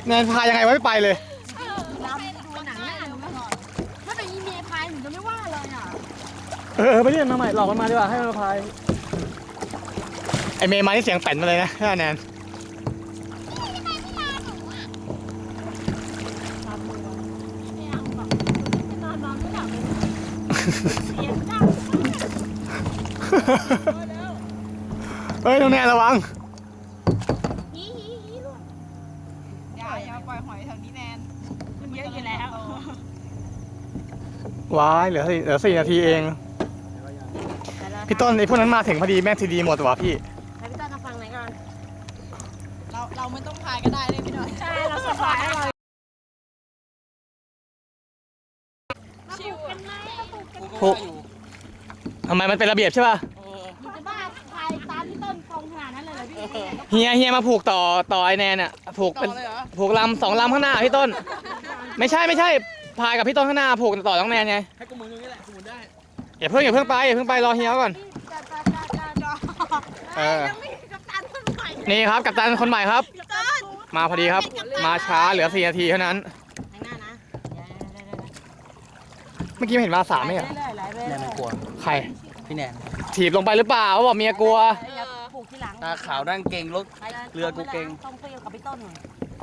แนนพายังไงวะไม่ไปเลยเราดูหนังแน่หนูถ้าเป็นอีเมย์พายหนูจะไม่ว่าเลยอ่ะไปเรียนมาใหม่หลอกมันมาดีกว่าให้มันมาพายไอเมย์มาที่เสียงแป่นมาเลยนะแนนเฮ้ยน้องแนนระวังอย่าปล่อยหอยแถวนี้แนนมันเยอะอยู่แล้วว้ายเหลือ4 นาทีเองพี่ต้นไอพวกนั้นมาถึงพอดีแม่ทีดีหมดว่ะพี่ให้พี่ต้นมาฟังไหนก่อนเราไม่ต้องพายก็ได้เลยพี่หน่อยใช่เราสบายเลยชิวกันไหมผูกทำไมมันเป็นระเบียบใช่ป่ะมึงจะบ้าพายตามพี่ต้นตรงขนาดนั้นเลยเหรอพี่เฮียมาผูกต่อไอแนนอ่ะผูกเป็นผูกลำ2 ลำข้างหน้าพี่ต้นไม่ใช่พายกับพี่ต้นข้างหน้าผูกต่อน้องแนนไงให้กูหมุนตรงนี้แหละกูหมุนได้อย่าเพิ่งไปรอเฮียก่อนนี่ครับกัปตันคนใหม่ครับมาพอดีครับมาช้าเหลือ4 นาทีเท่านั้นเมื่อกี้เห็นมา3ไหมเหรอแนนมันกลัวใครพี่แนนถีบลงไปหรือเปล่าบอกเมียกลัวตาขาวด้านเก่งรถเรือกูเก่งต้องคุยกับพี่ต้นหน่อย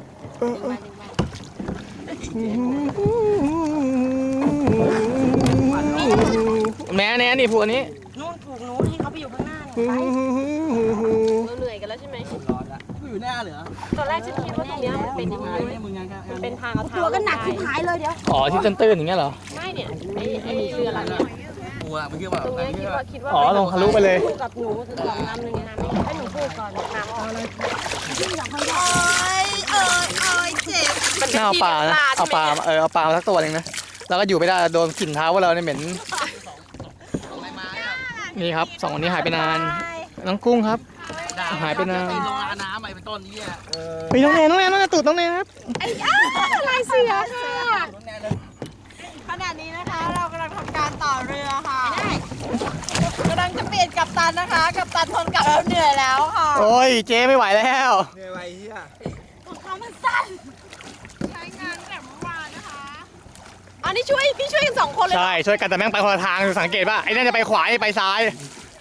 แม่แนนนี่ผูกอันนี้นู่นผูกนู้นให้เขาไปอยู่ข้างหน้าเนี่ยเราเหนื่อยกันแล้วใช่ไหมร้อนละกูอยู่หน้าเหรอตอนแรกฉันคิดว่าตรงนี้มันเป็นยังไงมันเป็นทางเอาเท้าตัวก็หนักที่หายเลยเดี๋ยวที่ตื้นๆอย่างเงี้ยเหรอไม่เนี่ยไอ้เรือลำเนี้ยกูอะไม่คิดว่าตรงนี้คิดว่าลงทะลุไปเลยกับหนู2 ลำนึงนะให้หนูพูดก่อนน้ำออกเลยที่อยากให้ได้เจ็บเอาปลามาสักตัวนึงนะแล้วก็อยู่ไม่ได้โดนกลิ่นเท้าว่าเราเนี่ยเหม็นนี่ครับ2 คนนี้หายไปนานน้องกุ้งครับหายไปนานลงน้ำไปเป็นต้นนี้ไปน้องแนนตูดน้องแนนครับลายเสือค่ะขณะนี้นะคะเรากำลังทำการต่อเรือค่ะกำลังจะเปลี่ยนกัปตันนะคะกัปตันทนกับเราเหนื่อยแล้วค่ะโอ้ยเจ๊ไม่ไหวแล้วเหนื่อยเฮียของเขามันสั้นใช้งานแบบเมื่อวานนะคะอันนี้พี่ช่วยกัน2 คนเลยใช่ช่วยกันแต่แม่งไปคนละทางสังเกตป่ะไอ้นั่นจะไปขวาไอ้ไปซ้าย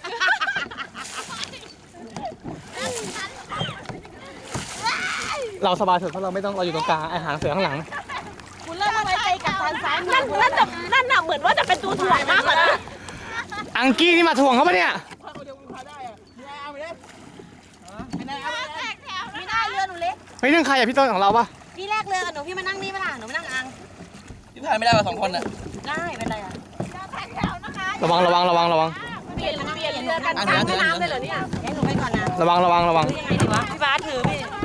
เราสบายสุดเพราะเราไม่ต้องเราอยู่ตรงกลางไอ้หางเสือข้างหลังคุณเริ่มมาไว้ใจกับทางซ้ายนั่นน่ะเหมือนว่าจะเป็นตัวถ่วงมากกว่านะอังกี้นี่มาถ่วงเขาปะเนี่ยไม่ได้เรือหนูเล็กเฮ้ยนั่งใครพี่ต้นของเราปะพี่แรกเรือกับหนูพี่มานั่งนี่ไหมล่ะหนูมานั่งอังพี่ถ่ายไม่ได้กับ2 คนน่ะได้เป็นไรอ่ะระวังเปลี่ยนเรือกันข้ามแม่น้ำเลยเหรอเนี่ยให้หนูไปก่อนนะระวังยังไงดีวะพี่บาสถือ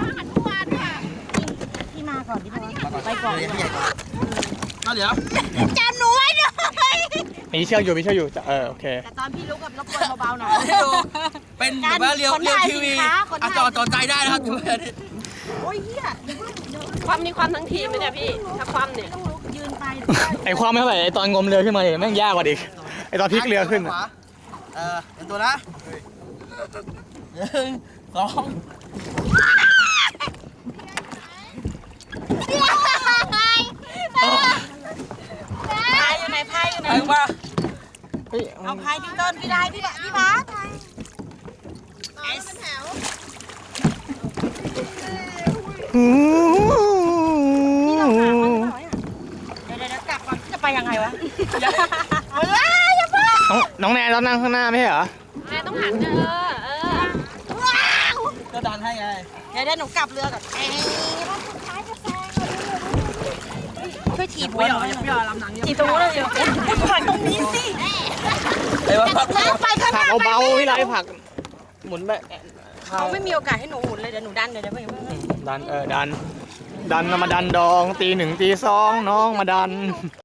พี่มาก่อนพี่บาสไปก่อนเดี๋ยวจำหนูไว้ด้วยมีเชือกอยู่โอเคแต่ตอนพี่ลุกกับรบกวนเบาๆหน่อยเป็นแบบว่าเรียวทีวีจอใจได้นะครับโอ้ยเฮียความมีความทั้งทีมไหมเนี่ยพี่ถ้าความเนี่ยยืนไปไอความไม่เท่าไหร่ไอตอนงมเรือขึ้นมาเนี่ยแม่งยากกว่าอีกไอตอนพลิกเรือขึ้นเป็นตัวนะ1 2 พายอยู่ไหนไปมาเอาพายพี่ต้นพี่ได้พี่บาสเป็นแถวนี่เราหาคนหน่อยเดี๋ยวกลับก่อนจะไปยังไงวะอย่าน้องแนนเรานั่งข้างหน้าไม่ใช่เหรอแม่ต้องหันก็ดันให้ไงเดี๋ยวหนูกลับเรือก่อนช่วยถีบไม่ยอมลำหนังถีบตรงนู้นเลยผักตรงนี้สิไปข้างหน้าเบาๆพี่ไรผักหมุนแบบเขาไม่มีโอกาสให้หนูหมุนเลยเดี๋ยวหนูดันเดี๋ยวดันมาดันดองตี 1 ตี 2น้องมาดัน